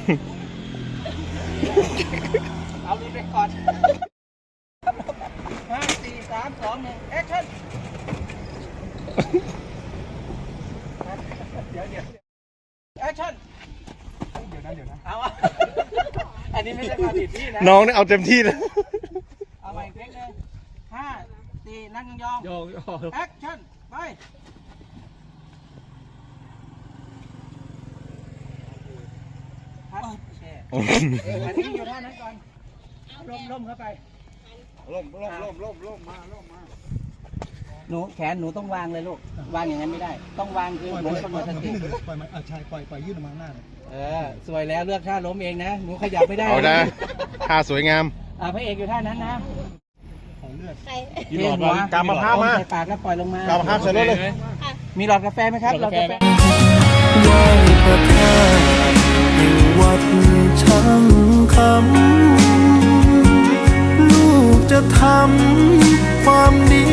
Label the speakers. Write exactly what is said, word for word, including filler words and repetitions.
Speaker 1: เอาดีไปก่อนห้าสี่สามสองหนึ่งแอคชั่นเดี๋ยวเดี๋ยวแอคชั่นเดี๋ยวนะเดี๋ยวนะเอาอันนี้ไม่ใช่ความผิดพี่นะ
Speaker 2: น้องนี่เอาเต็มที่เลย
Speaker 1: เอาใหม่เพลงเลยห้าสี่นั่งยองยองแอคชั่นไปพัดแช่อันนี้อยู่ท่านั้นก่อนล่มล่มเข้าไปล่มล่มล่มล่มล่มมาล่มมาหนูแขนหนูต้องวางเลยลูกวางอย่างนั้นไม่ได้ต้องวางคือเหมือนคนหมดสติ
Speaker 3: ปล่อยมันอ่ะใช่ปล่อยปล่อยยื่นออกมาหน้าเลย
Speaker 1: เออสวยแล้วเลือกท่าล้มเองนะหนูขยับไม่ได้
Speaker 2: เอานะท่าสวยงาม
Speaker 1: อ่าพระเอกอยู่ท่านั้นนะ
Speaker 3: ขอเลือด
Speaker 2: มีหลอดวะกำมะพร้าวมา
Speaker 1: ใส่ปากแล้วปล่อยลงมาก
Speaker 2: ำมะพร้าวใส่รถเลย
Speaker 1: มีหลอดกาแฟไหมครับหลอดกาแฟ
Speaker 4: ไหว้พระธาตุแห่งวัดช่างคำลูกจะทำความดี